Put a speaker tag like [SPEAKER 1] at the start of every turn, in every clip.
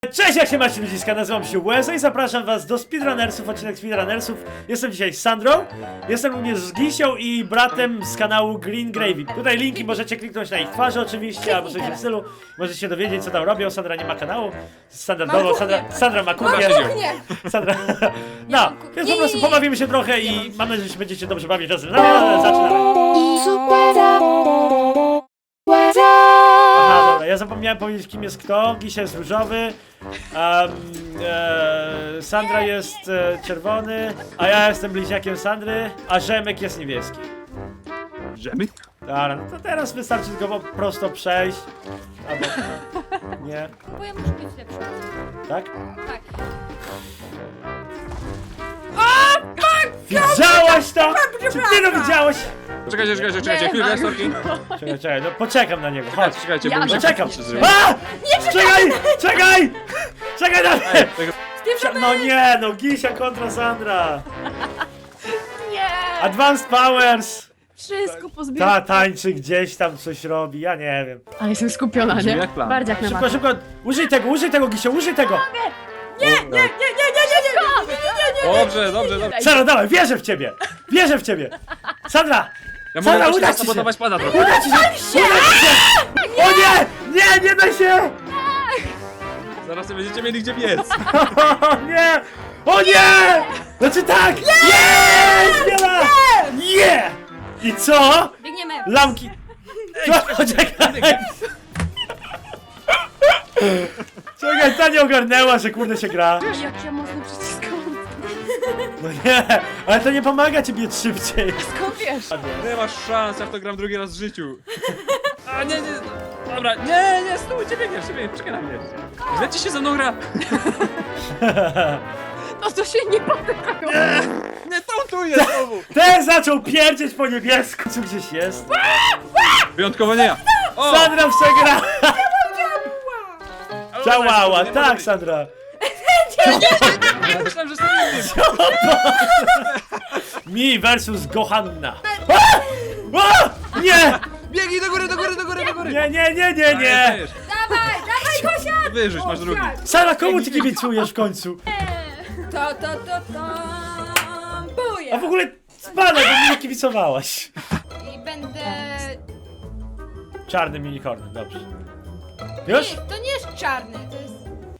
[SPEAKER 1] Cześć, jak się macie ludziska, nazywam się Łeza i zapraszam was do Speedrunnersów, odcinek Speedrunnersów. Jestem dzisiaj z Sandrą, jestem również z Gisią i bratem z kanału Green Gravy. Tutaj linki możecie kliknąć na ich twarze oczywiście, albo coś w tym stylu. Możecie się dowiedzieć, co tam robią. Sandra nie ma kanału, standardowo, Sandra ma kuchnię. Sandra. No, więc po prostu pobawimy się trochę i mam nadzieję, że się będziecie dobrze bawić razem. No, zaczynamy. Aha, dobra, ja zapomniałem powiedzieć, kim jest kto. Gisia jest różowy, Sandra jest czerwony, a ja jestem bliźniakiem Sandry, a Rzemek jest niebieski.
[SPEAKER 2] Rzemy?
[SPEAKER 1] Dobra, no to teraz wystarczy tylko po prostu przejść. Albo... nie.
[SPEAKER 3] Bo ja muszę być lepsza.
[SPEAKER 1] Tak?
[SPEAKER 3] Tak.
[SPEAKER 1] Widziałaś to? Czy ty to widziałaś?
[SPEAKER 2] Czekajcie, chwilę, sorki.
[SPEAKER 1] Czekaj, no poczekam na niego, chodź.
[SPEAKER 2] Czekajcie,
[SPEAKER 3] Ja
[SPEAKER 2] bo mi się
[SPEAKER 1] Poczekam.
[SPEAKER 2] patrzy zrobiło.
[SPEAKER 1] A! Czekaj na mnie!
[SPEAKER 2] Tego-
[SPEAKER 1] No nie, no Gisia kontra Sandra.
[SPEAKER 3] Nie!
[SPEAKER 1] Advanced Powers!
[SPEAKER 4] Wszystko pozbieram.
[SPEAKER 1] Tańczy gdzieś tam, coś robi, ja nie wiem.
[SPEAKER 4] Ale jestem skupiona,
[SPEAKER 2] Brzmi
[SPEAKER 4] nie?
[SPEAKER 2] jak plan.
[SPEAKER 4] Bardziak na
[SPEAKER 1] Szybko,
[SPEAKER 4] maksa.
[SPEAKER 1] szybko, użyj tego, Gisio, użyj tego!
[SPEAKER 2] Nie. Dobrze.
[SPEAKER 1] Sandra, dawaj, wierzę w ciebie! Wierzę w ciebie! Sandra!
[SPEAKER 2] Ja
[SPEAKER 1] Sandra,
[SPEAKER 2] mogę
[SPEAKER 1] uda
[SPEAKER 2] też
[SPEAKER 1] ci się!
[SPEAKER 2] sabotować pana trochę.
[SPEAKER 1] Uda ci się! Uda ci się! O nie! Nie da się!
[SPEAKER 2] Zaraz nie będziecie mieli gdzie biec.
[SPEAKER 1] O nie! O nie! Znaczy tak! Jest! Wiela! Nie! I co?
[SPEAKER 3] Biegniemy!
[SPEAKER 1] Lamki! Co? Czekaj! Czekaj, ta nie ogarnęła, że kurde się gra.
[SPEAKER 4] Jak ja mocno przyciskam.
[SPEAKER 1] No nie, ale to nie pomaga ci biec szybciej.
[SPEAKER 4] Skąd wiesz?
[SPEAKER 2] Nie masz szans, ja w to gram drugi raz w życiu. A nie. Dobra, nie, stójcie, biegniesz, czekaj na mnie. Zleci się ze mną gra.
[SPEAKER 4] No to się nie potykają.
[SPEAKER 2] Nie, tu jest znowu.
[SPEAKER 1] Ten zaczął pierdzieć po niebiesku, co gdzieś jest.
[SPEAKER 2] Wyjątkowo nie ja. O!
[SPEAKER 1] Sandra przegrała!
[SPEAKER 2] Ale
[SPEAKER 1] Działała,
[SPEAKER 2] nie
[SPEAKER 1] tak
[SPEAKER 2] może
[SPEAKER 1] Sandra.
[SPEAKER 2] być. Ja myślałem, że jestem innym.
[SPEAKER 1] Mi versus Gohanna. A! Nie!
[SPEAKER 2] Biegnij do góry.
[SPEAKER 1] Nie!
[SPEAKER 2] Dajesz.
[SPEAKER 3] Dawaj, Kosia!
[SPEAKER 2] Wyrzuć, masz drugi.
[SPEAKER 1] Sandra, komu ty kibicujesz w końcu?
[SPEAKER 3] To. Buja!
[SPEAKER 1] A w ogóle spadaj, bo mi nie kibicowałaś.
[SPEAKER 3] I będę...
[SPEAKER 1] Czarnym unicornem, dobrze. Już?
[SPEAKER 3] Nie, to nie jest czarny, to jest...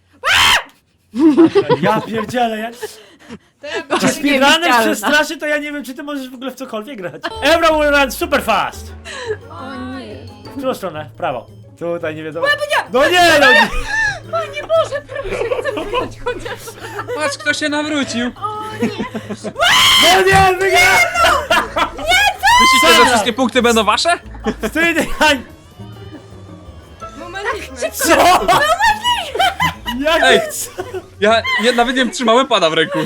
[SPEAKER 1] Ja pierdzielę, ja...
[SPEAKER 3] To ja
[SPEAKER 1] Czy
[SPEAKER 3] będę...
[SPEAKER 1] speedrunner
[SPEAKER 4] niewidzialna.
[SPEAKER 1] przestraszy, to ja nie wiem, czy ty możesz w ogóle w cokolwiek grać. Everyone will run super fast!
[SPEAKER 3] O nie.
[SPEAKER 1] W którą stronę? W prawo. Tutaj nie wiadomo. No nie, no nie!
[SPEAKER 4] O nie Boże, proszę, chcę wyjść chociaż.
[SPEAKER 2] Patrz, kto się nawrócił.
[SPEAKER 1] No nie, wygra!
[SPEAKER 2] Myślicie, że wszystkie punkty będą wasze?
[SPEAKER 1] Wtedy, Hań!
[SPEAKER 3] Momentycznie.
[SPEAKER 1] Co? Jak
[SPEAKER 2] Ej.
[SPEAKER 1] chcę?
[SPEAKER 2] Ja nawet nie trzymałem pada w ręku.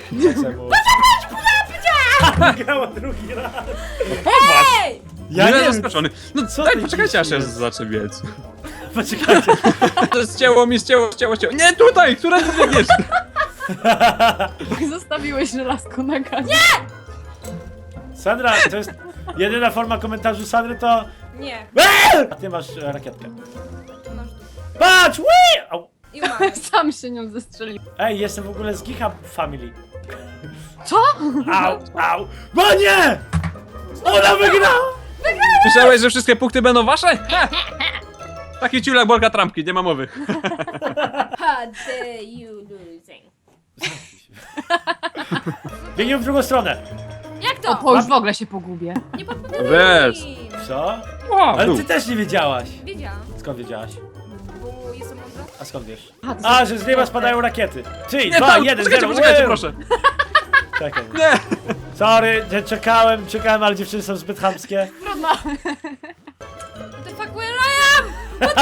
[SPEAKER 1] Grała drugi raz.
[SPEAKER 3] Ej!
[SPEAKER 1] Ja nie wiem.
[SPEAKER 2] zaskoczony. No
[SPEAKER 1] Co
[SPEAKER 2] daj,
[SPEAKER 1] ty
[SPEAKER 2] poczekajcie aż ja
[SPEAKER 1] dzisiaj?
[SPEAKER 2] zacznę biec.
[SPEAKER 1] Poczekajcie.
[SPEAKER 2] To ścięło mi. Nie tutaj, która ty biegniesz?
[SPEAKER 4] Zostawiłeś żelazko na gazie.
[SPEAKER 1] Sandra, to jest jedyna forma komentarzu Sandry to...
[SPEAKER 3] Nie.
[SPEAKER 1] A ty masz rakietkę.
[SPEAKER 3] Masz...
[SPEAKER 1] Patrz! Wii! Au.
[SPEAKER 3] I umarł.
[SPEAKER 4] Sam się nią zestrzelił.
[SPEAKER 1] Ej, jestem w ogóle z Gicha Family.
[SPEAKER 4] Co?
[SPEAKER 1] Au! No nie! Ona wygrała!
[SPEAKER 2] Myślałeś, że wszystkie punkty będą wasze? Ha! Taki ciulak Bolka Trampki, nie ma mowy.
[SPEAKER 3] How dare you losing?
[SPEAKER 1] Biegniemy w drugą stronę.
[SPEAKER 3] Jak
[SPEAKER 4] O,
[SPEAKER 3] to?
[SPEAKER 4] bo już w ogóle się pogubię.
[SPEAKER 3] Nie podpowiadaj
[SPEAKER 2] Wiesz.
[SPEAKER 3] mi.
[SPEAKER 1] Co?
[SPEAKER 2] O,
[SPEAKER 1] Ale ty też nie wiedziałaś.
[SPEAKER 3] Wiedziałam,
[SPEAKER 1] Skąd wiedziałaś?
[SPEAKER 3] bo jestem mądra.
[SPEAKER 1] A skąd wiesz?
[SPEAKER 4] A, to
[SPEAKER 1] A, że z nieba spadają rakiety. 3,
[SPEAKER 2] Nie,
[SPEAKER 1] 2,
[SPEAKER 2] tam,
[SPEAKER 1] 1, 0.
[SPEAKER 2] poczekajcie, proszę.
[SPEAKER 1] Czekaj.
[SPEAKER 2] Nie!
[SPEAKER 1] Sorry, że czekałem, ale dziewczyny są zbyt chamskie.
[SPEAKER 4] trudno.
[SPEAKER 3] What the fuck where I am?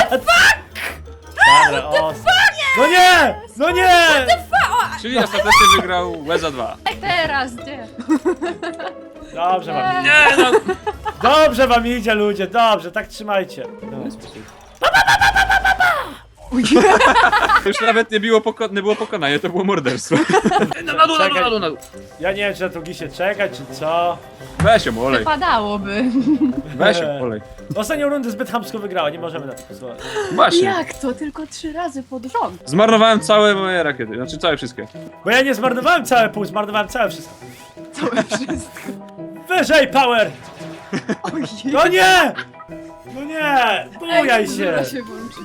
[SPEAKER 1] Dobra, o. No nie! No nie!
[SPEAKER 2] Czyli ostatecznie wygrał Łeza 2.
[SPEAKER 4] Teraz, gdzie?
[SPEAKER 1] Dobrze wam idzie.
[SPEAKER 2] Nie no!
[SPEAKER 1] Dobrze wam idzie, ludzie, dobrze, tak trzymajcie. No.
[SPEAKER 2] To już nawet nie było pokonanie, to było morderstwo. Na dół,
[SPEAKER 1] Czekaj.
[SPEAKER 2] na dół.
[SPEAKER 1] Ja nie wiem, czy na to gisie czekać, czy co.
[SPEAKER 2] Weź ją, olej.
[SPEAKER 4] Wypadałoby.
[SPEAKER 2] Weź ją, olej.
[SPEAKER 1] Ostatnią rundę zbyt chamsko wygrała, nie możemy na to pozwolić.
[SPEAKER 2] Właśnie.
[SPEAKER 4] Jak to? Tylko 3 razy pod rząd.
[SPEAKER 2] Zmarnowałem całe moje rakiety, znaczy całe wszystkie.
[SPEAKER 1] Bo ja nie zmarnowałem całe pół, zmarnowałem całe wszystko.
[SPEAKER 4] Całe wszystko.
[SPEAKER 1] Wyżej, power!
[SPEAKER 4] Ojej.
[SPEAKER 1] No nie! No nie! Bujaj się!
[SPEAKER 4] Zaraz się włączy.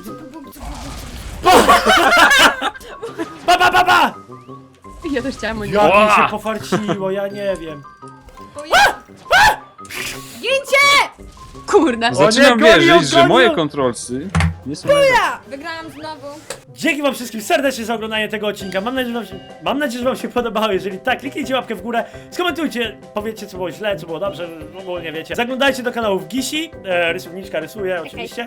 [SPEAKER 1] Ba, ba, ba, ba!
[SPEAKER 4] Ja też chciałam
[SPEAKER 1] Jak mi
[SPEAKER 2] Ła!
[SPEAKER 1] się pofarciło, ja nie wiem.
[SPEAKER 3] Gincie!
[SPEAKER 4] Kurna.
[SPEAKER 2] Zaczynam
[SPEAKER 1] gonią,
[SPEAKER 2] wierzyć, że
[SPEAKER 1] gonią!
[SPEAKER 2] moje kontrolsy nie są...
[SPEAKER 3] Wygrałam znowu.
[SPEAKER 1] Dzięki wam wszystkim serdecznie za oglądanie tego odcinka. Mam nadzieję, że wam się podobało. Jeżeli tak, kliknijcie łapkę w górę, skomentujcie, powiedzcie co było źle, co było dobrze, ogólnie wiecie. Zaglądajcie do kanałów Gisi, rysowniczka rysuje oczywiście.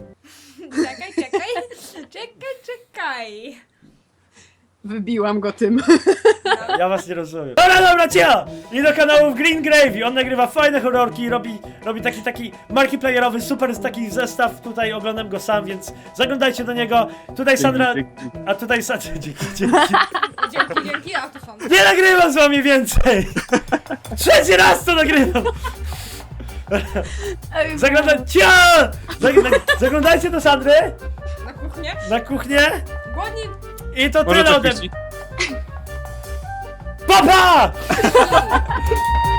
[SPEAKER 3] Czekaj.
[SPEAKER 4] Wybiłam go tym.
[SPEAKER 1] Ja was nie rozumiem. Dobra, cicho! I do kanałów Green Gravy. On nagrywa fajne horrorki, robi taki multiplayerowy, super jest taki zestaw. Tutaj oglądam go sam, więc zaglądajcie do niego. Tutaj Sandra, a tutaj Sandra, dzięki.
[SPEAKER 3] Dzięki, a to są.
[SPEAKER 1] Nie nagrywam z wami więcej! Trzeci raz to nagrywam! Zaglądajcie do Sandry
[SPEAKER 3] Na kuchnię?
[SPEAKER 1] na kuchnię
[SPEAKER 3] Głodni.
[SPEAKER 1] i to
[SPEAKER 2] Może
[SPEAKER 1] tyle
[SPEAKER 2] coś
[SPEAKER 1] ode
[SPEAKER 2] piści?
[SPEAKER 1] mnie. Papa!